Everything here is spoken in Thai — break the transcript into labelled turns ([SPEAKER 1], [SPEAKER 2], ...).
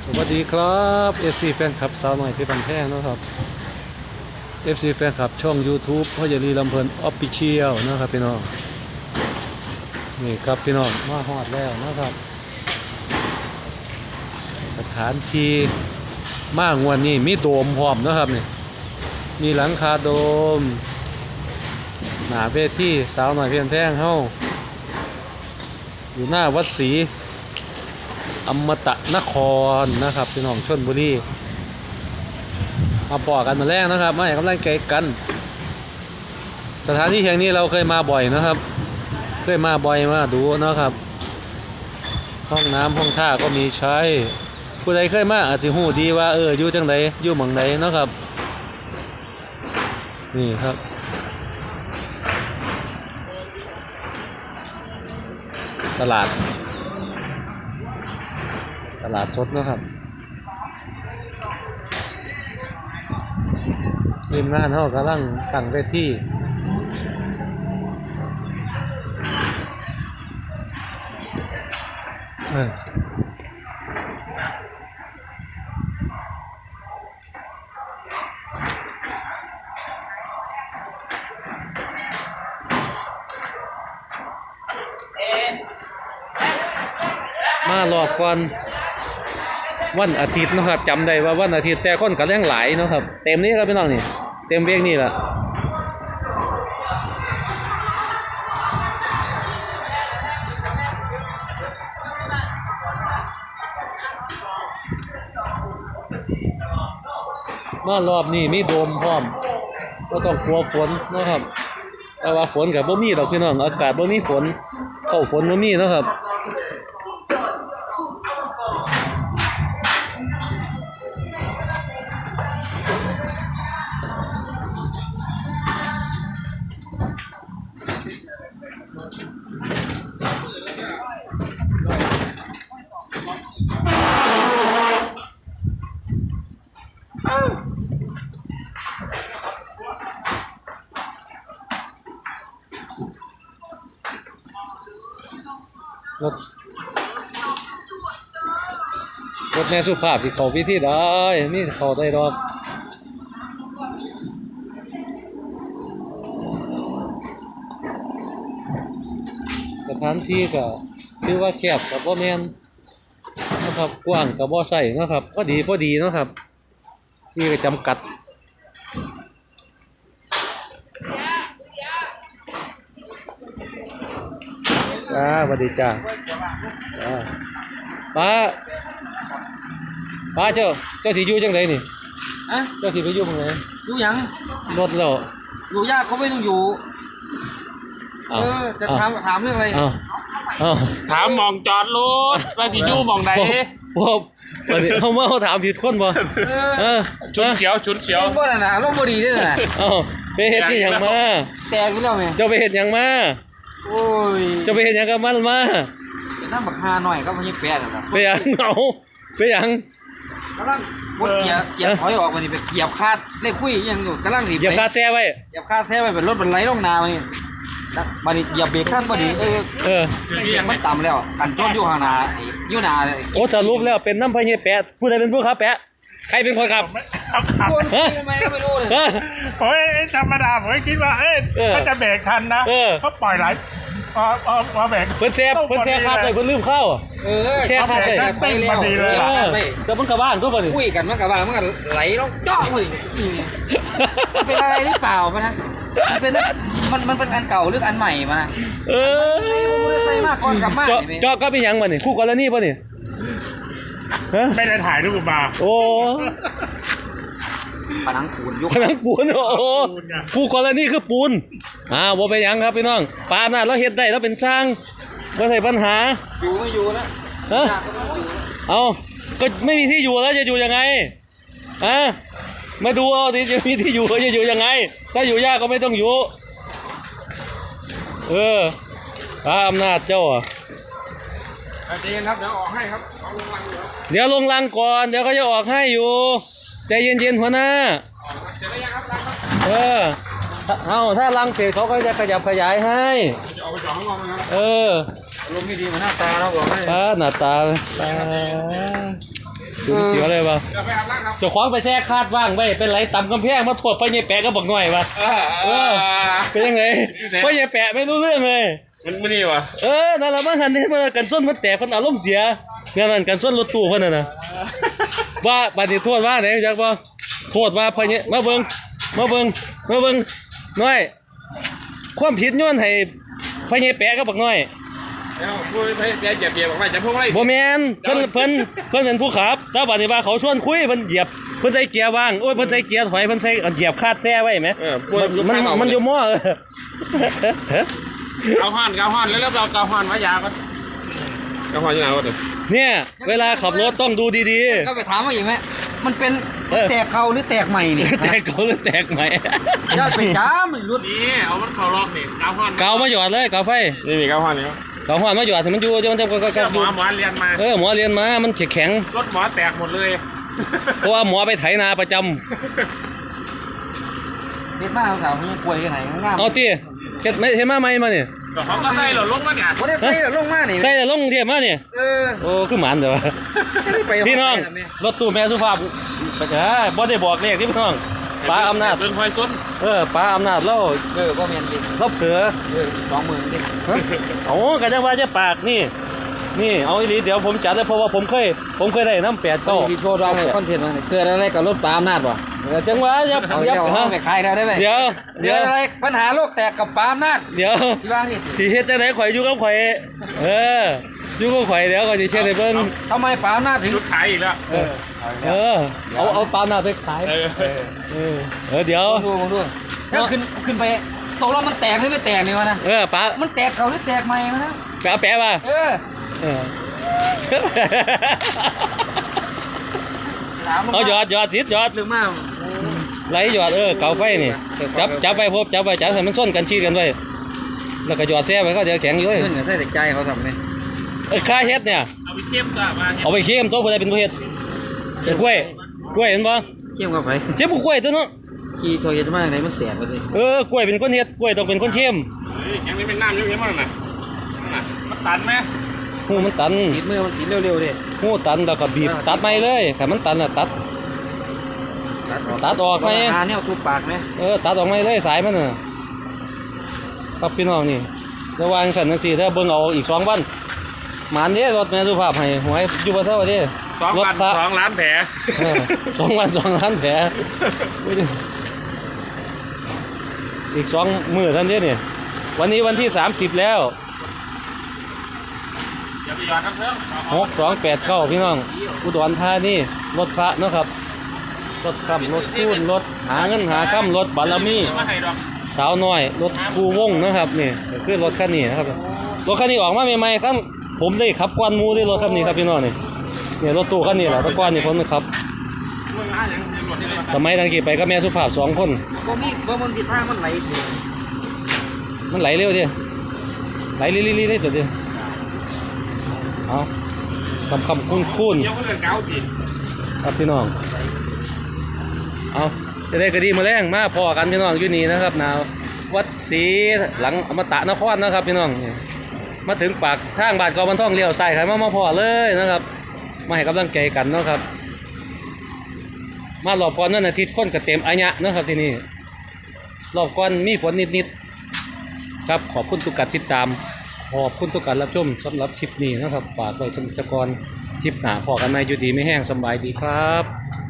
[SPEAKER 1] สวัสดีครับ FC แฟนคลับสาวหน่อยที่บันแพงนะครับ FC แฟนคลับช่อง YouTube พ่อใหญ่ลีลำเพลินออฟฟิเชียลนะครับพี่น้องนี่ครับพี่น้องมาฮอดแล้วนะครับสถานที่มากวันนี้มีโดมพร้อมนะครับนี่มีหลังคาโดมหน้าเวทีสาวหน่อยเพียนแพงเฮาอยู่หน้าวัดศรีอมตะนครนะครับพี่น้องชลบุรีมาปอกันมาแรกนะครับมาให้กำลังใจกันสถานที่แห่งนี้เราเคยมาบ่อยนะครับเคยมาบ่อยมาดูนะครับห้องน้ำห้องท่าก็มีใช้ผู้ใดเคยมาอาจจะหูดีว่าอยู่จังใดอยู่หม่องใดนะครับนี่ครับตลาดสดนะครับทีมงานเขากำลังตั้งเวทีมารอบก่อนวันอาทิตย์นะครับจำได้ว่าวันอาทิตย์แต่คนก็แรงหลายนะครับเต็มนี้ครับพี่น้องนี่เต็มเวียงนี่แหละมารอบนี้มีโดมพร้อมก็ต้องกลัวฝนนะครับแต่ว่าฝนกับบ่มีดอกพี่น้องอากาศบ่มีฝนเข้าฝนบ่มีนะครับรถแม่สุภาพที่เขาพิธีได้มีเขาได้ดอกสถานที่ก็คือว่าแคบกับบ่แม่นนะครับกว้างกับบ่ใส่นะครับพอดีนะครับที่ก็จำกัดสวัสดีจ้าป้าเจ้าสิอยู่จังไดนี่เจ้าสิไปอยู่ตรงไหน
[SPEAKER 2] อยู่ยัง
[SPEAKER 1] รถแล้ว
[SPEAKER 2] อยู่ยากเขาไม่ต้องอยู่จะถามเรื่องอะไร
[SPEAKER 3] ถามมองจอดรถว่าสิอยู่มองไหน
[SPEAKER 1] วันนี้เขาถามผิดคนบ่
[SPEAKER 3] ชุดเขียว
[SPEAKER 2] บ่น่ะนะลมบ่ดีด้วยน่ะ
[SPEAKER 1] ไปเฮ็ดที่หยังมา
[SPEAKER 2] แตกอยู่แล้วแม่
[SPEAKER 1] เจ้าไปเฮ็ดหยังมา
[SPEAKER 2] โอ้ย
[SPEAKER 1] เจ้าไปเฮ็ดหยังกับมันมา
[SPEAKER 2] เป็นน้ำบักฮาหน่อยก็บ่ใช่แปดน่ะ
[SPEAKER 1] ไปหยังไปหยัง
[SPEAKER 2] กำลังบดเกียร์ถอยออกมานี่ไปเหยียบคาดเลขคุยยังอยู่กำลังสิ
[SPEAKER 1] เหยียบคาดแซ่ไว้
[SPEAKER 2] เหยียบคาดแซ่ไว้เป็นรถเป็นไหลลงนามานี่บัดนี้เหยียบเบรกคันบ่ดีมันต่ำแล้วกันชนอยู่ข้างหน้าอยู่หน้า
[SPEAKER 1] โอ้สรุปแล้วเป็นน้ำพะเยแปะผู้ใดเป็นผู้ขับแปะใครเป็นคนขับ
[SPEAKER 2] คนทำไมก็ไม่รู้เลย
[SPEAKER 3] ผมธรรมดาผมคิดว่าเขาจะเบรกทันนะเขาปล่อยไหลมาเบรก
[SPEAKER 1] เพิ่นแซ่คาดเลยเพิ่นลืมเข้า
[SPEAKER 2] แค่
[SPEAKER 1] คาดเลย
[SPEAKER 2] ไปแล้ว
[SPEAKER 1] แต่มันกลับบ้านก็บ่นี่
[SPEAKER 2] คุยกันมันกลับบ้านมันก็ไหลลงจ่อเลยเป็นอะไรหรือเปล่ามันนะมันเป็นอันเก่าหรืออันใหม่มาใส่มากก่อนกลับบ้าน
[SPEAKER 1] จ่อก็เป็นหยังบ่นี่คู่กรณีบ่นี่
[SPEAKER 3] ไม่ได้ถ่ายรูปมา
[SPEAKER 1] โอ้
[SPEAKER 2] ผนังปูนยุค
[SPEAKER 1] ผนังปูนโอ้คู่กรณีคือปูนบ่เป็นหยังครับพี่น้องปาล์มน่ะเราเฮ็ดได้เราเป็นช่างบ่ใช่ปัญหา
[SPEAKER 2] อยู่ไม่อยู่แล้ว
[SPEAKER 1] เอาก็ไม่มีที่อยู่แล้วจะอยู่ยังไงมาดูเอาดิจะมีที่อยู่จะอยู่ยังไงถ้าอยู่ยากก็ไม่ต้องอยู่พระอำนาจเจ้า
[SPEAKER 2] ใจเย็นครับเดี๋ยวออกให้ครับ
[SPEAKER 1] เดี๋ยวลงรังก่อนเดี๋ยวเขาจะออกให้อยู่ใจเย็นๆหัวหน้า
[SPEAKER 2] เสร็จแล้วยังครับรังครับ
[SPEAKER 1] ถ้ารังเสร็จเขาก็จะขยับขยายให้
[SPEAKER 2] จะเอาไปจ่อข้างนอกนะครับ
[SPEAKER 1] อารมณ์ไม่ดีเหมือนหน้าตาเราบอกให้
[SPEAKER 2] หน้าตา
[SPEAKER 1] ถึงเสียเลยปะ
[SPEAKER 3] จะไปอาบน้ำครับ
[SPEAKER 1] เจ้าของไปแช่คาดว่างไว้เป็นไรต่ำกำแพงมาถวดไปยายแปะก็บอกหน่อยปะเป็นยังไงไปยายแปะไม่รู้เรื่องเลย
[SPEAKER 3] มันนี่วะ
[SPEAKER 1] นั่นแหละมันหันนี่มันกันส้นมันแตกมันอารมณ์เสียนั่นกันส้นรถตู้เพิ่นน่ะนะว่าบัดนี้โทษว่าไหนจักบ่โทษว่าพะเนี่ยมาเบิ่งน้อยความผิดย้อนให้พะเนี่ยแปะก็บักน้อย
[SPEAKER 3] แล้วพูดให้แกเหยียบบอกว่าจะพูดอะไร
[SPEAKER 1] บ่แม่นเพิ่นเป็นผู้ขับแต่บัดนี้ว่าเขาชวนคุยเพิ่นเหยียบเพิ่นใส่เกียร์ว่างโอ้ยเพิ่นใส่เกียร์ถอยเพิ่นใส่เหยียบคาดแซ่ไว้ไหมมันอยู่หม้อ
[SPEAKER 3] เกาห้อนแล้วเราเกาห้อนไว้ยาก็เกาห้อนยังไงวะเดี๋ยว
[SPEAKER 1] เนี่ยเวลาขับรถต้องดูดี
[SPEAKER 2] ก็ไปถามว่าอีกไหมมันเป็นแตกเขาหรือแตกใหม่นี่
[SPEAKER 1] ๆแตกเขาหรือแตกใหม่
[SPEAKER 2] ยอดไปจ้ามันรุด
[SPEAKER 3] นี่เอามันเข่าล็อกนี่เกาห้อน
[SPEAKER 1] เกามาหยอดเลยเกาไฟ
[SPEAKER 3] นี่เกาห้อนนี่
[SPEAKER 1] เกาหัวมาหยอดให้มันอยู่จะมันจะก็
[SPEAKER 3] หมอเรียนมา
[SPEAKER 1] หมอเรียนมามันแข็ง
[SPEAKER 3] รถหมอแตกหมดเลย
[SPEAKER 1] เพราะว่าหมอไปไถนาประจำ
[SPEAKER 2] เด็ดมากสาวนี่ป่วยกันไหนง่าม
[SPEAKER 1] เอาตีเฮ็ดไม่เฮ็ดมาไหมมาเนี่ย
[SPEAKER 3] เขาก็ใส่หล่นลงมาเนี่ย
[SPEAKER 2] วันนี้ใส่ลงมานี่
[SPEAKER 1] ใส่แต่ลงเทียบมาเนี่ย โอ้คือหมันเด้อพี่น้องรถตู้แม่สุภาพบ่ได้บอกเลขที่พี่น้องป้าอำนาจ
[SPEAKER 3] เป็นควายส้น
[SPEAKER 1] ป้าอำนาจเล่า
[SPEAKER 2] ก็เมียนดิ
[SPEAKER 1] เล่าเผือ
[SPEAKER 2] 20,000ดิ
[SPEAKER 1] โอ้ก็จะว่าจะปากนี่เอาอีหลีเดี๋ยวผมจัดเลยเพราะว่าผมเคยได้น้ำ8
[SPEAKER 2] ก็
[SPEAKER 1] 9
[SPEAKER 2] ที่โชว์เราคอนเทนต์มันเกิดอะไรกับรถปาล์มนาดป่ะ
[SPEAKER 1] จังหวะยับ
[SPEAKER 2] เอาเดี๋ยวห้องไปขายแล้วได้ไหม
[SPEAKER 1] เดี๋ยว
[SPEAKER 2] เดี๋ยวอะไรปัญหาโลกแตกกับปาล์มนาด
[SPEAKER 1] เดี๋ยว
[SPEAKER 2] ที่บ้านนี่
[SPEAKER 1] สิเฮ็ดจังได๋ข่อยอยู่กับข่อยอยู่กับข่อยเดี๋ยวข่อยสิเช็ดให้เบิ่ง
[SPEAKER 2] ทำไมปาล์มนาดถึง
[SPEAKER 3] ชุดขายอีกแล้ว
[SPEAKER 1] เอาปลาหน้าไปขายเดี๋ยว
[SPEAKER 2] มองดูแล้วขึ้นไปตกลงมันแตกหรือไม่แตกนี่วะนะ
[SPEAKER 1] ปลา
[SPEAKER 2] มันแตกเขาหรือแตกใหม่วะนะ
[SPEAKER 1] แปะป่ะ เอาหยอดสิหยอด
[SPEAKER 2] เรื่องมาก
[SPEAKER 1] ไหลหยอดเกาไฟนี่จับไปจับให้มันส้นกันชี้กันไว้แล้วก็หยอดแซ่ไว้เขาเดี๋ยวแข็งอยู่
[SPEAKER 2] เงินกับใส่ใจเขาทำไหม
[SPEAKER 1] ค่าเฮ็ดเนี่ย
[SPEAKER 3] เอาไปเข้มจ้ะมา
[SPEAKER 1] เอาไปเค็มตัวผู้ใดเป็นผู้เฮ็ดกล้วยเห็นบ่
[SPEAKER 2] เขี้ยวกับไฟ
[SPEAKER 1] เค็มกล้วยตัวเนาะ
[SPEAKER 2] ขี่โทรเย็นมากเลยมันแสบไปเลย
[SPEAKER 1] กล้วยเป็นคนเฮ็ดกล้วยต้องเป็นคนเค็ม
[SPEAKER 3] แข็งนี่เป็นน้ำเยอะๆมากนะมันตันไหม
[SPEAKER 1] หูมันตัน
[SPEAKER 2] ติดมือมันติดเร็วๆดิ
[SPEAKER 1] หูตันแล้วก็บีบตัดไม่เลยถ้ามันตันน่ะตัดออกไหม
[SPEAKER 2] หาเนี่ยตูปากไหม
[SPEAKER 1] ตัดออกไม่เลยสายมันน่ะครับพี่น้องนี่ระวังสันนังสี่ถ้าเบิ่งเอาอีก2 วันหมานเด้รถแม่สุภาพให้หวยอยู่บ่เท่าเด้รถพระ
[SPEAKER 3] 2 ล้านแผล
[SPEAKER 1] 2 วัน2 ล้านแผลอีก2 มื้อท่านเด้นี่วันนี้วันที่30แล้ว
[SPEAKER 3] อย่าไปหยอดน้ำเพิ่ม
[SPEAKER 1] 6289พี่น้องอุดรธานีรถพระเนาะครับรถค่ำรถคูนรถหาเงินหาค่ำรถบารมี
[SPEAKER 3] มาให้ดอก
[SPEAKER 1] สาวน้อยรถคูวงนะครับนี่คือรถคันนี้นะครับรถคันนี้ออกมาใหม่ๆครับผมได้ขับกวนหมูได้รถคันนี้ครับพี่น้องนี่เนี่ยรถตู้คันนี้แหละแตะก้อนนี่ผมขับ
[SPEAKER 3] มึงหาอย่างเดียวหมดนี่เลย
[SPEAKER 1] สมัยนั้นกี่ไปกับแม่สุภาพ2 คน
[SPEAKER 2] บ่มีบ่มันติดท่ามันไหลถึง
[SPEAKER 1] มันไหลเร็วดิไหลลิๆๆตัวดิเอาคำคุ้น
[SPEAKER 3] เดี๋ยวก็เรื่องเก่าจีน
[SPEAKER 1] ๆครับพี่น้องเอาจะได้กระดีมาแรงมาพอกันพี่น้องอยู่นี่นะครับนาวัดศรีหลังอมตะนครนะครับพี่น้องมาถึงปากทางบาดกอบันท่องเลี้ยวใส่ไข่มาพอเลยนะครับมาให้กำลังใจกันเนาะครับมารอบก่อนนั่นอาทิตย์คนกระเต็มอัญญะเนาะครับที่นี่รอบก่อนมีฝนนิดๆครับขอบคุณทุกการติดตามขอบคุณทุกการรับชมสำหรับคลิปนี้นะครับฝากไว้ชมจักรคลิปหน้าพอกันไหมอยู่ดีไม่แห้งสบายดีครับ